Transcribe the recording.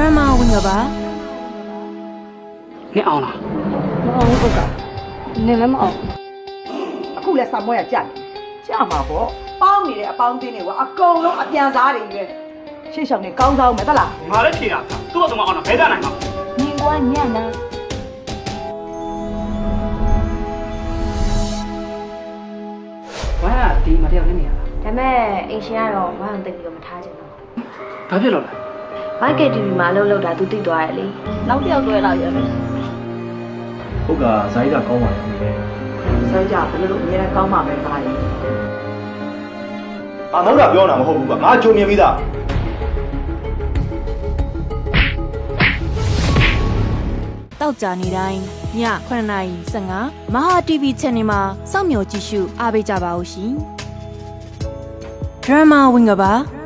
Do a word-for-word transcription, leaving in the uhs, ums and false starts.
Drama winga ba နင်အောင်လားမအောင်ဘူးကနင်လည်းမအောင်အခုလဲဆာမွဲရကြက်ကြမှာပေါ့ပေါင်းနေတဲ့အပေါင်းတင်းတွေကအကုန်လုံးအပြန်စားတွေပဲရှေ့ဆောင်နေကောင်းစားအောင်မယ်တလားငါလည်းဖြေတာသူ့ဘာသူမအောင်တာဘဲကြနိုင်မှာနင်ကညံ့နာဝမ်းကဒီမတယောက်နဲ့နေရလားဒါမဲ့အိမ်ရှင်ကတော့ဘာမှသိပြီးတော့မထားချင်ဘူးဘာဖြစ်လို့လဲဘိုက်ကတီဗီမှာအလုပ်လုပ်တာသူသိသွားတယ်လေနောက်တစ်ယောက်တွဲလာရမယ်ဟုတ်ကဇာတိကကောင်းပါလေဆွဲကြဘယ်လိုအများနဲ့ကောင်းမှာပဲပါရင်အာမဟုတ်တာပြောတာမဟုတ်ဘူးကငါကြုံမြင်ပြီးသားတောက်ကြနေတိုင်းညခုနှစ်နာရီ၁၅မဟာ တီဗီ channel မှာစောင့်မျှော်ကြည့်ရှုအားပေးကြပါဦးရှင် Drama winga ba